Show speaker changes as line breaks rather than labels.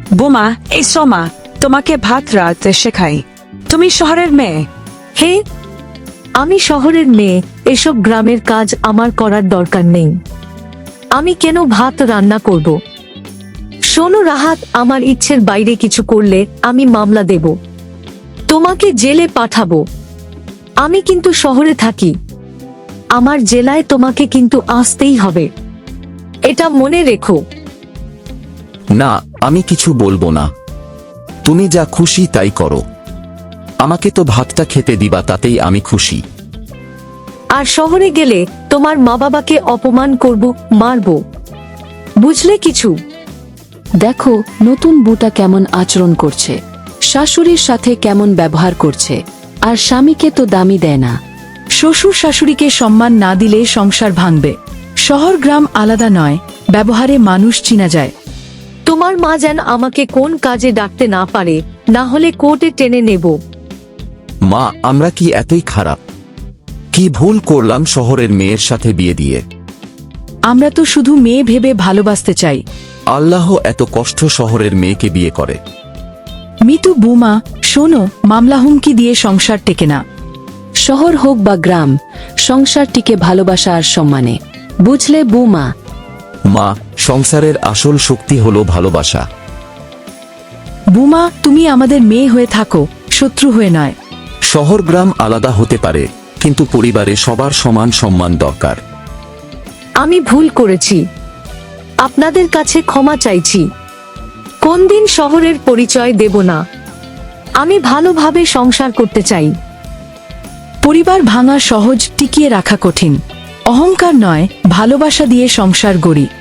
বোমা, এই সোমা, তোমাকে ভাত রাঁধতে শেখাই। তুমি শহরের মেয়ে।
হে, আমি শহরের মেয়ে, এসব গ্রামের কাজ আমার করার দরকার নেই। আমি কেন ভাত রান্না করব? শোনো রাহাত, আমার ইচ্ছের বাইরে কিছু করলে আমি মামলা দেব, তোমাকে জেলে পাঠাবো। আমি কিন্তু শহরে থাকি, আমার জেলায় তোমাকে কিন্তু আসতেই হবে, এটা মনে রেখো।
না, আমি কিছু বলবো না। তুমি যা খুশি তাই করো। আমাকে তো ভাতটা খেতে দিবা, তাতেই আমি খুশি।
আর শহরে গেলে তোমার মা বাবাকে অপমান করব, মারব, বুঝলে কিছু?
দেখো নতুন বুটা কেমন আচরণ করছে, শাশুড়ির সাথে কেমন ব্যবহার করছে, আর স্বামীকে তো দামি দেয় না।
শ্বশুর শাশুড়িকে সম্মান না দিলে সংসার ভাঙবে। শহর গ্রাম আলাদা নয়, ব্যবহারে মানুষ চিনা যায়।
তোমার মা যেন আমাকে কোন কাজে ডাকতে না পারে, না হলে কোর্টে টেনে নেব।
মা, আমরা কি এতই খারাপ? কি ভুল করলাম শহরের মেয়ের সাথে বিয়ে দিয়ে?
আমরা তো শুধু মেয়ে ভেবে ভালোবাসতে চাই।
আল্লাহ এত কষ্ট শহরের মেয়েকে বিয়ে করে।
মিতু, বুমা, শোনো, মামলা হুমকি দিয়ে সংসার টেকে না।
শহর হোক বা গ্রাম, সংসার টিকে ভালোবাসা আর সম্মানে, বুঝলে বুমা?
মা, সংসারের আসল শক্তি হলো ভালোবাসা।
বুমা, তুমি আমাদের মেয়ে হয়ে থাকো, শত্রু হয়ে নয়।
শহর গ্রাম আলাদা হতে পারে, কিন্তু পরিবারে সবার সমান সম্মান দরকার।
আমি ভুল করেছি, আপনাদের কাছে ক্ষমা চাইছি। কোন দিন শহরের পরিচয় দেব না। আমি ভালোভাবে সংসার করতে চাই।
পরিবার ভাঙা সহজ, টিকিয়ে রাখা কঠিন। অহংকার নয়, ভালোবাসা দিয়ে সংসার গড়ি।